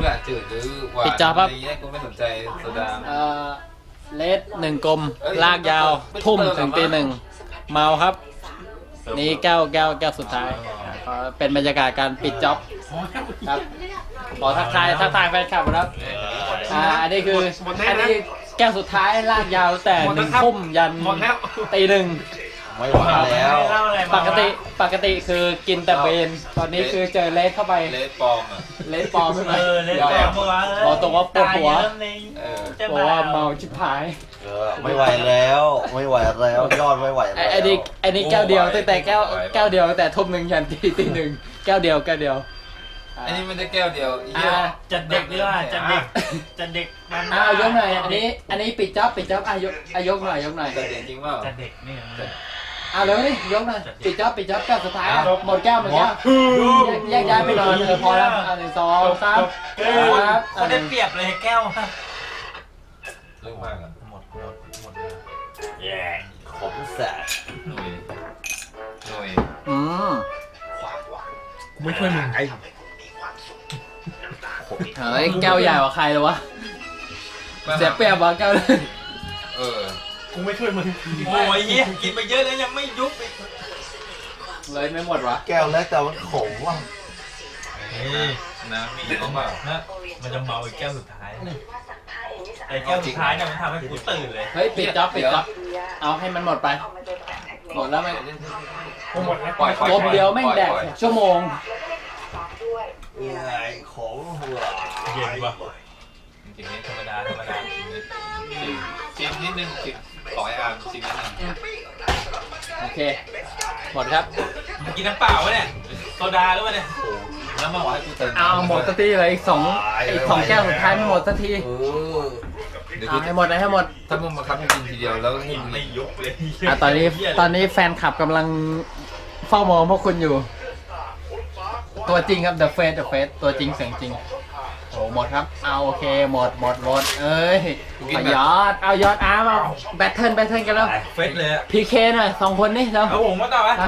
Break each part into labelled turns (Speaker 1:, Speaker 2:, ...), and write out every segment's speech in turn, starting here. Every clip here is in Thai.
Speaker 1: แหละจืดหรือหวานอะไรเงี้ยกูไม่สนใจโซดา
Speaker 2: เลส1 กลมลากยาวทุ่มถึงตี 1เมาครับนี่แก้วสุดท้ายเป็นบรรยากาศการปิดจ็อบครับขอทักทายแฟนคลับครับอันนี้คืออันนี้แก้วสุดท้ายลากยาวแต่1 ทุ่มยันตี 1
Speaker 3: ไม่ไหวแล้ว
Speaker 2: ปกติคือกินแต่เบนตอนนี้คือเจอเลสเข้าไป
Speaker 1: เลสปลอมอ่ะ
Speaker 2: เลสปลอมใช่ไหม
Speaker 4: เลสปลอม
Speaker 2: บอกตรงว่าปวดหัวบอกว่าเมาชิบหาย
Speaker 3: ไม่ไหวแล้วยอดไม่ไหวแล้ว
Speaker 2: ไอ้นี่แก้วเดียวแต่แก้วเดียวแต่ทุ่ม 1ยันตี 1แก้วเดียว
Speaker 1: อันนี้มันจะแก้วเดียว
Speaker 4: จัดเด็กดีว่าจัดเด็ก
Speaker 2: ยกหน่อยอันนี้ปิดจ็อบยกหน่อย
Speaker 1: จัดเด็กจริงเปล่า
Speaker 4: จัดเด็กนี่
Speaker 2: เร็วนี่ยกหน่อยปิดจ็อบแก้วสุดท้ายหมดแก้วแยกย้ายไปนอนพอแล้ว1 2 3ครับ
Speaker 4: เขาได้เปรียบเลยแก้วครับ
Speaker 1: เรื่องมากอ่ะ
Speaker 4: หมด
Speaker 3: ขมแสบ
Speaker 1: หน่วย
Speaker 4: ไม่ช่วยมึง
Speaker 2: เฮ้ยแก้วใหญ่กว่าใครเลยวะเสียเปรียบวะแก้วเลย
Speaker 4: กูไม่ช่วยมึงโอ้ยเหี้ยกินไปเยอะแล้วยังไม่ยุบอีก
Speaker 2: เลยไม่หมดวะ
Speaker 3: แก้วเล็กแต่มันขมว่ะ
Speaker 1: น้ำมีเขาเปล่า
Speaker 4: มันจะเมาอีกแก้วสุดท้ายไอ้แก้วสุดท้ายเนี่ยมันทำให้กูตื่นเลย
Speaker 2: เฮ้ยปิดจ็อบเอาให้มันหมดไปหมดแล้วไหม
Speaker 4: หมดแล้ว
Speaker 2: กบเดียวแม่งแดกชั่วโมง
Speaker 3: ขมหัว
Speaker 4: เย็นปะ
Speaker 1: จริงๆนี่ธรรมดาชิมนิดนึงชิม2 อันชิมนิดนึง
Speaker 2: โอเคหมดครับ
Speaker 4: กินน้ำเปล่าวะเนี่ยโซดาหรือเปล่าเนี่ย
Speaker 1: แล้วมาบอกให้กูเติม
Speaker 2: หมดสักทีเลยอีก2แก้วสุดท้ายไม่หมดสักทีให้หมด
Speaker 1: ถ้ามึงมาคับกินทีเดียวแล้ว
Speaker 4: ไม่ยุบเลย
Speaker 2: ตอนนี้แฟนคลับกำลังเฝ้ามองพวกคุณอยู่ตัวจริงครับ The Face ตัวจริงเสียงจริงโอ้หมดครับโอเคหมดเอ้ยยอดแบทเทิลกันแล้ว
Speaker 4: เฟสเลย
Speaker 2: PK หน่อย2 คนนี่แล้ว
Speaker 4: เอาผมมาต่อไหม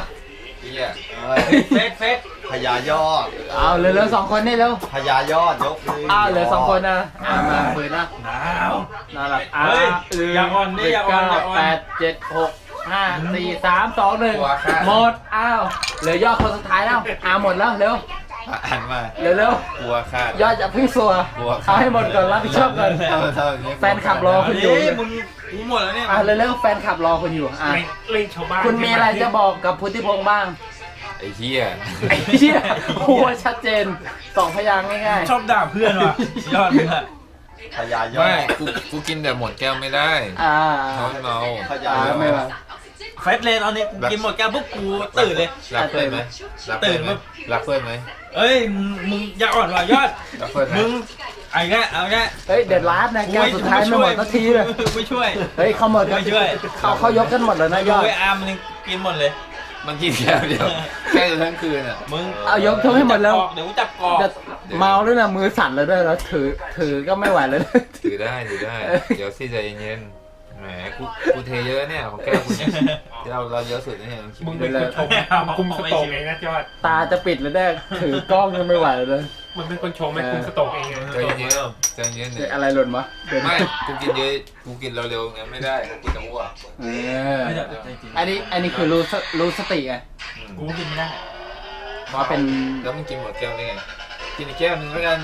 Speaker 4: เฟส
Speaker 3: พญายอด
Speaker 2: เร็ว2 คนนี่เร็ว
Speaker 3: พญายอดยกมือ
Speaker 2: เหลือ2 คนนะมาเปิดนะน่ารัก
Speaker 4: อย่าอ่อนนี่อย่าอ่อน
Speaker 2: 8 7 6 5 4 3 2 1หมดเหลือยอดคนสุดท้ายแล้วหมดแล้วเร็ว
Speaker 1: อ่านมา
Speaker 2: เร็ว
Speaker 1: กลัวขาด
Speaker 2: ยอดจะพึ่งสัวเอาให้หมดก่อนรับผิดชอบก่อนแฟนขับรอคุณอยู่
Speaker 4: มึงหมดแล้วเนี่ย
Speaker 2: เร็วแฟนขับรอคุณอยู่
Speaker 4: เล่นชาวบ้าน
Speaker 2: คุณมีอะไรจะบอกกับพุทธิพงษ์บ้าง
Speaker 1: ไอ้เหี้ย
Speaker 2: หัวชัดเจน2 พยางค์ง่าย
Speaker 4: ๆชอบด่าเพื่อนว่ะยอดมึงอะ
Speaker 3: พญายอด
Speaker 1: ไม่กูกินแต่หมดแก้วไม่ได้เมา
Speaker 3: พญายอด
Speaker 2: ไม่มา
Speaker 4: เฟสเลยตอนนี้กินหมดแก้วปุ๊บกูตื่นเลย
Speaker 1: รักเพื่อนไหมตื่นรักเพื่อนไหม
Speaker 4: เอ้ยมึงอย่าอ่อนว่ะยอดมึงเอาแค่
Speaker 2: เฮ้ยเด็ดร้านนะแก้วสุดท้ายไม่หมดสักทีเลย
Speaker 4: ไม่ช่วย
Speaker 2: เฮ้ยเขาหมดไม่ช่วยเขายกกันหมดเลยนะยอด
Speaker 4: อาร์มมันกินหมดเลย
Speaker 1: มันกินแก้วเดียวแค่ทั้งคืน
Speaker 4: มึง
Speaker 2: ยกทั้งให้หมดแล้ว
Speaker 4: เดี๋ยวจับกอก
Speaker 2: เมาด้วยนะมือสั่นเลยด้วยแล้วถือก็ไม่ไหวเลย
Speaker 1: ถือได้เดี๋ยวสิใจเย็นแหมกูเทเยอะเนี่ยของแก้วกูเนี่ยเราเยอะสุดเนี่ย
Speaker 4: มึงเป็นคนชมคุมสโตกเองนะยอด
Speaker 2: ตาจะปิดแล้วได้ถือกล้องยังไม่ไหวเลย
Speaker 4: มันเป็นคนชมไม่คุมสโตกเอง
Speaker 1: ใจเย็น
Speaker 2: อะไรหล่นวะ
Speaker 1: ไม่กูกินเยอะกูกินเร็วๆงั้นไม่ได้กินแต่อ้วก
Speaker 2: อันนี้คือรู้สติไง
Speaker 4: กูกินไม่ได้
Speaker 2: ว่าเป็น
Speaker 1: แล้วมึงกินหมดแก้วได้ไงกินอีกแก้วนึงแล้วกัน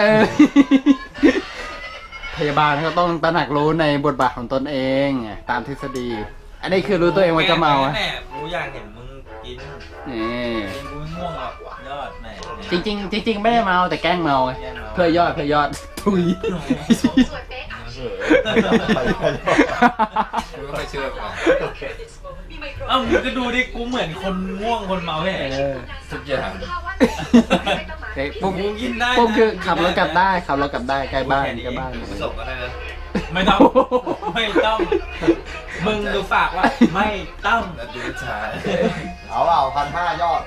Speaker 2: พยาบาลเขาต้องตระหนักรู้ในบทบาทของตนเองตามทฤษฎีอันนี้คือรู้ตัวเองว่าจะเมา
Speaker 4: แน่กูอยากเห็นมึงกินกูง่วงอ่ะยอดแหม
Speaker 2: จริงไม่ได้เมาแต่แกล้งเมาเพื่อยอดทุย
Speaker 1: ไม่เชื่อ
Speaker 4: มึงก็ดูดิกูเหมือนคนง่วงคนเมาเลย
Speaker 1: ทุกอย่าง
Speaker 2: ปุ๊บ
Speaker 4: กินได้
Speaker 2: ปุ๊บคือขับรถกลับได้ใกล้บ้าน
Speaker 1: ส่งก็ได้นะ
Speaker 4: ไม่ต้องมึงดูฝากว่าไม่ต้อง
Speaker 1: ดูช้า
Speaker 3: เอา1,500ยอด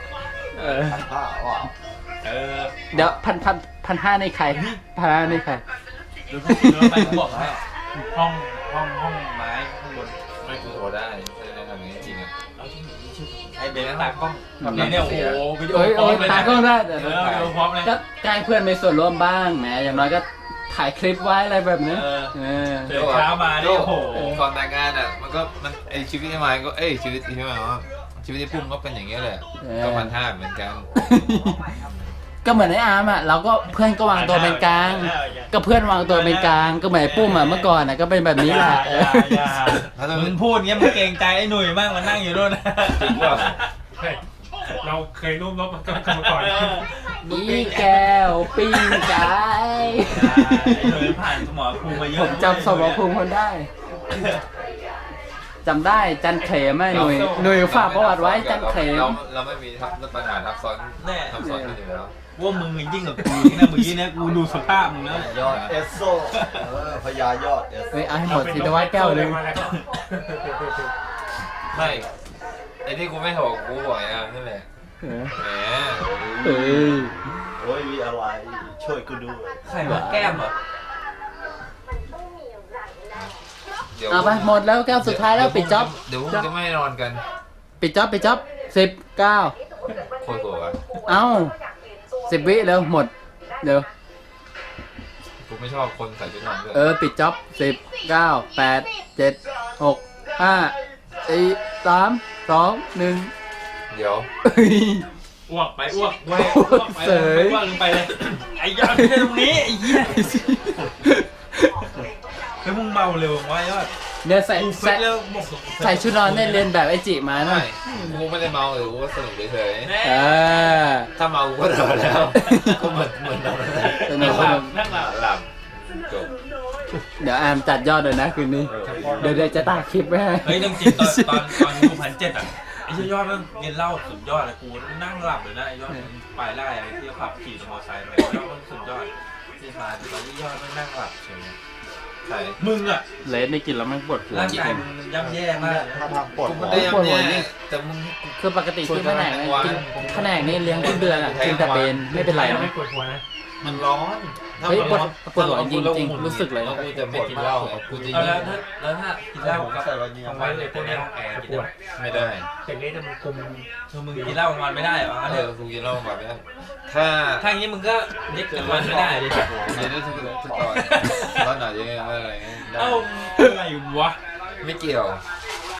Speaker 3: 1,500
Speaker 2: เดี๋ยว1,500ในใคร1,500ในใคร
Speaker 4: ดูไปบอกให้ห้องไม้ข้างบน
Speaker 1: ไม่กูโทรได้ทำอย่างนี้จริงอ่ะ
Speaker 4: ไอ้เดี๋ยวตากล้องเนี่ยโอ้โหวิดีโอ
Speaker 2: โอ้ย
Speaker 4: พร้อมเลย
Speaker 2: ตา
Speaker 4: นะ
Speaker 2: กล้องได้แต่
Speaker 4: วิดีโอพร้อมเลย
Speaker 2: ก็ใกล้เพื่อนมีส่วนร่วมบ้างแหมอย่างน้อยก็ถ่ายคลิปไว้อะไรแบบนี้ เออ
Speaker 4: ตื่นเช้ามาเนี่ยโอ้โห
Speaker 1: ก่อนแต่งงานอ่ะมันไอชีวิตที่มายก็ชีวิตที่มายว่าชีวิตที่พุ่มก็เป็นอย่างเงี้ยแหละก็1,500เหมือนกัน
Speaker 2: ก็เหมือนไอ้อาร์มอ่ะเราก็เพื่อนก็วางตัวเป็นกลาง ก็เพื่อนวางตัวเป็นกลางก็เหมือนไอ้ปุ้มอ่ะเมื่อก่อนอ่ะก็เป็นแบบนี้แหละ
Speaker 4: อย่ามึงพูดเงี้ยมึงเกรงใจไอ้หนุ่ยมากมันนั่งอยู่ด้วยนะ
Speaker 1: จริงป่ะ
Speaker 5: เราเคยร่วมรบกันมาก่อน
Speaker 2: อีแก้วปิ้งไก่
Speaker 4: ไอ้หนุ่ยผ่านสมรภูมิมาเย
Speaker 2: ผ
Speaker 4: อะ
Speaker 2: มจำสมรภูมิคนได้จำได้จันเขมไหมหนุ่ยฝากประวัติไว้จันเขม
Speaker 1: เราไม่มีปัญหาทับซ้อนกันอยู่แล้ว
Speaker 4: ว่ามึงยิ่งกับกูนี่นะเมื่อกี้เนี่ยกูดูสภาพมึงแล้ว
Speaker 3: ยอดเอสโซพญายอดเอสโซ
Speaker 2: เฮ้ยเอาให้หมดสิทวัฒน์แก้วเลย
Speaker 1: ไม่ไอ้ที่กูไม่บอกกูบ่อยอ่ะนั่นแหละแหม
Speaker 2: เออ
Speaker 3: โอ้ยมีอะไรช่วยกูด้วย
Speaker 4: ใครวะแก้มเหรอ
Speaker 1: เดี๋ยว
Speaker 2: เอาไปหมดแล้วแก้วสุดท้ายแล้วปิดจ็อบ
Speaker 1: เดี๋ยวพวกจะไม่นอนกัน
Speaker 2: ปิดจ็อบ19
Speaker 1: โคตรโกรธอ่ะ
Speaker 2: เอ้า10 วิแล้วหมดเดี๋ยว
Speaker 1: กูไม่ชอบคนใส่ชุดนอนด้วย
Speaker 2: ปิดจ็อบ10 9 8 7 6 5 4 3 2 1
Speaker 1: เดี๋ยว
Speaker 4: อ้วกไปอ้วกไปอ้วกไปอ้วกลงไปเลยไอ้ยอดที่ตรงนี้ไอ้เหี้ยเฮ้ยมึงเมาเร็ววะยอด
Speaker 2: เนี่ยใส่
Speaker 4: กู
Speaker 2: ใส่
Speaker 4: เร็วหมก
Speaker 2: ใส่ชุดนอนเนี่ยเรียนแบบไอจิมานะ
Speaker 1: ไม่กูไม่ได้เมาหรือกูก็สนุกเฉย
Speaker 2: เออ
Speaker 1: ๆถ้าเมากูก็เดินแล้วก็เหมือนเรา
Speaker 2: สนุกส
Speaker 4: หลั
Speaker 2: นุ
Speaker 4: บ
Speaker 2: ก
Speaker 4: นั่งหลับ
Speaker 1: หลับจบ
Speaker 2: เดี๋ยวอามจัดยอดเลยนะคืนนี้ เดี๋ยวจะตัดคลิปไว้ให้
Speaker 4: เฮ้ยต้องจริงตอนดู1,700อ่ะไอ้เหี้ยยอดมันเรียนเล่าสุดยอดเลยกูนั่งหลับเลยนะไอ้ยอดไปไล่ไอ้ที่ขับขี่มอเตอร์ไซค์ไปยอดมันสุดยอดที่มาตอนที่ยอดมันนั่งหลับเฉย
Speaker 1: ใช่
Speaker 4: มึงอ่ะ
Speaker 2: เลสนี่กินแล้วมันปวดหัว
Speaker 4: ร่างกายมึงย่ำแย่มาก
Speaker 3: ถ้าทางปวด
Speaker 1: กู
Speaker 3: หั
Speaker 1: ไม่
Speaker 3: ว
Speaker 1: ได้ยังเนี่ยแต่มึง
Speaker 2: คือปกติที่แผนกเนี่ยกินแผนกนี่เลี้ยงทุกเดือนอ่ะกินแต่เบนไม่เป็นไรนะ
Speaker 5: ไม่ปวดหัวนะ
Speaker 1: มันร้อน
Speaker 2: เฮ้ยปวดหัวจริงๆรู้สึกเลย
Speaker 1: แล้วกูจะไม่กินเหล้ากูจะ
Speaker 4: เอา
Speaker 1: ยิ
Speaker 4: แล้วถ้ากินเหล้ากับ
Speaker 3: ใส่วันนี้
Speaker 4: กลางวันเลยพวกนี้ห้องแอร์กินได้ไหม
Speaker 1: ไม่ได้
Speaker 5: แต่นี้จะมันคุม
Speaker 4: คือมึงกินเหล้ากลางวันไม่ได้เหรอ
Speaker 1: กูกินเหล้าแบบนี้ถ้า
Speaker 4: ถ้าอย่างนี้มึงก็เด็กกลางวันไม่ได้ดิ
Speaker 1: เดี๋ยวได้ทุกตอนตอนไหนยังไงอะไร
Speaker 4: เอ้าอะไรวะ
Speaker 1: ไม่เกี่ยว